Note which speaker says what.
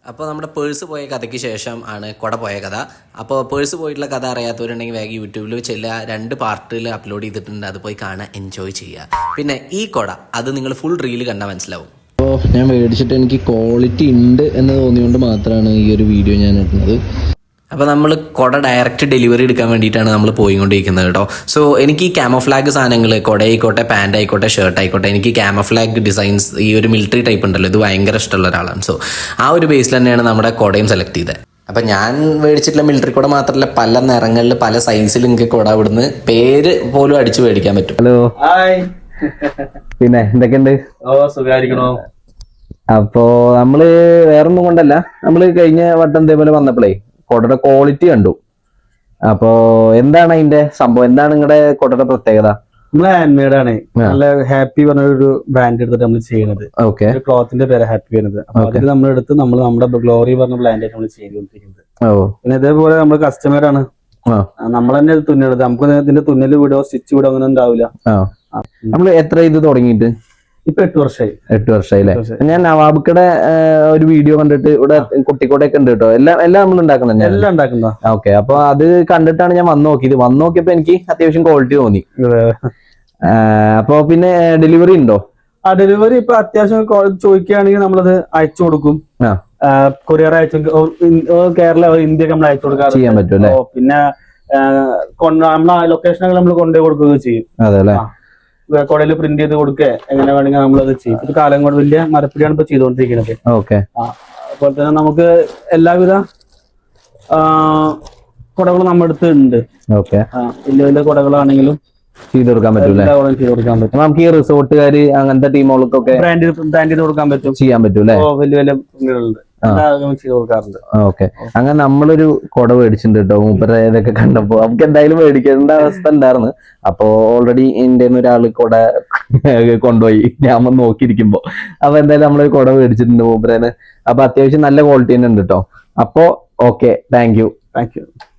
Speaker 1: അപ്പോൾ നമ്മുടെ പേഴ്സ് പോയ കഥയ്ക്ക് ശേഷം ആണ് കുട പോയ കഥ. അപ്പോൾ പേഴ്സ് പോയിട്ടുള്ള കഥ അറിയാത്തവരുണ്ടെങ്കിൽ വേഗം യൂട്യൂബിൽ ചെല്ലുക, 2 പാർട്ടിൽ അപ്ലോഡ് ചെയ്തിട്ടുണ്ട്, അത് പോയി കാണാൻ എൻജോയ് ചെയ്യുക. പിന്നെ ഈ കുട അത് നിങ്ങൾ ഫുൾ റീൽ കണ്ടാൽ മനസ്സിലാവും.
Speaker 2: അപ്പോൾ ഞാൻ മേടിച്ചിട്ട് എനിക്ക് ക്വാളിറ്റി ഉണ്ട് എന്ന് തോന്നിയുകൊണ്ട് മാത്രമാണ് ഈ ഒരു വീഡിയോ ഞാൻ ഇടുന്നത്.
Speaker 1: അപ്പോൾ നമ്മൾ കുട ഡയറക്റ്റ് ഡെലിവറി എടുക്കാൻ വേണ്ടിയിട്ടാണ് നമ്മൾ പോയിക്കൊണ്ടിരിക്കുന്നത് കേട്ടോ. സോ എനിക്ക് ഈ ക്യാമോഫ്ലാഗ് സാധനങ്ങൾ, കുട ആയിക്കോട്ടെ, പാൻറ് ആയിക്കോട്ടെ, ഷർട്ട് ആയിക്കോട്ടെ, എനിക്ക് ക്യാമോഫ്ലാഗ് ഡിസൈൻസ്, ഈ ഒരു മിലിറ്ററി ടൈപ്പ് ഉണ്ടല്ലോ, ഇത് ഭയങ്കര ഇഷ്ടമുള്ള ഒരാളാണ്. സോ ആ ഒരു ബേസിൽ തന്നെയാണ് നമ്മുടെ കുടയും സെലക്ട് ചെയ്തത്. അപ്പം ഞാൻ മേടിച്ചിട്ടുള്ള മിലിറ്ററി കുട മാത്രമല്ല, പല നിറങ്ങളിൽ പല സൈസിൽ എനിക്ക് കുട ഇവിടുന്ന് പേര് പോലും അടിച്ച് മേടിക്കാൻ പറ്റും.
Speaker 2: ഹലോ, പിന്നെ എന്തൊക്കെയുണ്ട്?
Speaker 3: സുഖായിരിക്കണോ?
Speaker 2: അപ്പോ നമ്മള് വേറൊന്നും കൊണ്ടല്ല, നമ്മള് കഴിഞ്ഞ വട്ടം ഇതേപോലെ വന്നപ്പോഴേ കൊടയുടെ ക്വാളിറ്റി കണ്ടു. അപ്പോ എന്താണ് അതിന്റെ സംഭവം? എന്താണ് നിങ്ങളുടെ കൊടയുടെ പ്രത്യേകത?
Speaker 3: നമ്മള് ഹാൻഡ് മെയ്ഡ് ആണ്. നല്ല ഹാപ്പി പറഞ്ഞ ഒരു ബ്രാൻഡ് എടുത്തിട്ട് നമ്മൾ ചെയ്യുന്നത്.
Speaker 2: ഓക്കെ,
Speaker 3: ക്ലോത്തിന്റെ പേര് ഹാപ്പി വരുന്നത്. അപ്പൊ അതിൽ നമ്മളെടുത്ത് നമ്മുടെ ഗ്ലോറി പറഞ്ഞ ബ്രാൻഡായിട്ട് നമ്മൾ ചെയ്തുകൊണ്ടിരിക്കുന്നത്. പിന്നെ ഇതേപോലെ നമ്മൾ കസ്റ്റമർ ആണ്, നമ്മൾ തന്നെ തുന്നണത്. നമുക്ക് ഇതിന്റെ തുന്നല് വിടോ സ്റ്റിച്ച് വിടോ അങ്ങനെ ഉണ്ടാവില്ല.
Speaker 2: നമ്മള് എത്ര ഇത് തുടങ്ങിയിട്ട്?
Speaker 3: ഇപ്പൊ 8 വർഷമായി.
Speaker 2: 8 വർഷമായി അല്ലേ? ഞാൻ നവാബുക്കടെ ഒരു വീഡിയോ കണ്ടിട്ട് ഇവിടെ കുട്ടിക്കോടൊക്കെ ഉണ്ട് കേട്ടോ. എല്ലാം നമ്മൾ ഉണ്ടാക്കുന്നത്,
Speaker 3: എല്ലാം ഉണ്ടാക്കുന്ന.
Speaker 2: ഓക്കെ, അപ്പൊ അത് കണ്ടിട്ടാണ് ഞാൻ വന്നു നോക്കിയപ്പോ എനിക്ക് അത്യാവശ്യം ക്വാളിറ്റി തോന്നി. അപ്പൊ പിന്നെ ഡെലിവറി ഉണ്ടോ?
Speaker 3: ആ ഡെലിവറി ഇപ്പൊ അത്യാവശ്യം ചോദിക്കുകയാണെങ്കിൽ നമ്മളത് അയച്ചു കൊടുക്കും. കൊറിയർ അയച്ചു, കേരള ഇന്ത്യക്ക് നമ്മൾ അയച്ചു കൊടുക്കാൻ
Speaker 2: ചെയ്യാൻ പറ്റും അല്ലേ?
Speaker 3: പിന്നെ നമ്മളെ ലൊക്കേഷനൊക്കെ നമ്മൾ കൊണ്ടുപോയി കൊടുക്കുകയും ചെയ്യും.
Speaker 2: അതെ അല്ലേ?
Speaker 3: കുടയിൽ പ്രിന്റ് ചെയ്ത് കൊടുക്കുക, എങ്ങനെ വേണമെങ്കിൽ നമ്മളത് ചെയ്യും. ഇത് കാലം കൊണ്ട് വലിയ മരപ്പിടിയാണ് ഇപ്പൊ ചെയ്തുകൊണ്ടിരിക്കുന്നത്.
Speaker 2: ഓക്കെ,
Speaker 3: അതുപോലെ തന്നെ നമുക്ക് എല്ലാവിധ കുടകളും നമ്മുടെ അടുത്ത് ഉണ്ട്.
Speaker 2: ഓക്കെ,
Speaker 3: വലിയ വലിയ കുടകളാണെങ്കിലും
Speaker 2: ചെയ്ത് കൊടുക്കാൻ പറ്റും.
Speaker 3: ചെയ്ത് കൊടുക്കാൻ പറ്റും.
Speaker 2: നമുക്ക് ഈ റിസോർട്ടുകാര് അങ്ങനത്തെ ടീമുകൾക്കൊക്കെ
Speaker 3: ബ്രാൻഡ് ചെയ്ത് കൊടുക്കാൻ പറ്റും,
Speaker 2: ചെയ്യാൻ പറ്റും അല്ലെ?
Speaker 3: വലിയ വലിയ പ്രിന്റുകളുണ്ട്, ചെയ്ത് കൊടുക്കാറുണ്ട്.
Speaker 2: ഓക്കെ, അങ്ങനെ നമ്മളൊരു കുട മേടിച്ചിട്ടുണ്ട് കേട്ടോ. മൂപ്പര ഇതൊക്കെ കണ്ടപ്പോ നമുക്ക് എന്തായാലും മേടിക്കേണ്ട അവസ്ഥ ഉണ്ടായിരുന്നു. അപ്പൊ ഓൾറെഡി എന്റെ ഒരാള് കുട കൊണ്ടുപോയി, ഞാൻ വന്ന് നോക്കിയിരിക്കുമ്പോ. അപ്പൊ എന്തായാലും നമ്മളൊരു കുട മേടിച്ചിട്ടുണ്ട് മൂപ്പരേന്. അപ്പൊ അത്യാവശ്യം നല്ല ക്വാളിറ്റി തന്നെ ഉണ്ട് കേട്ടോ. അപ്പൊ ഓക്കെ, താങ്ക് യു.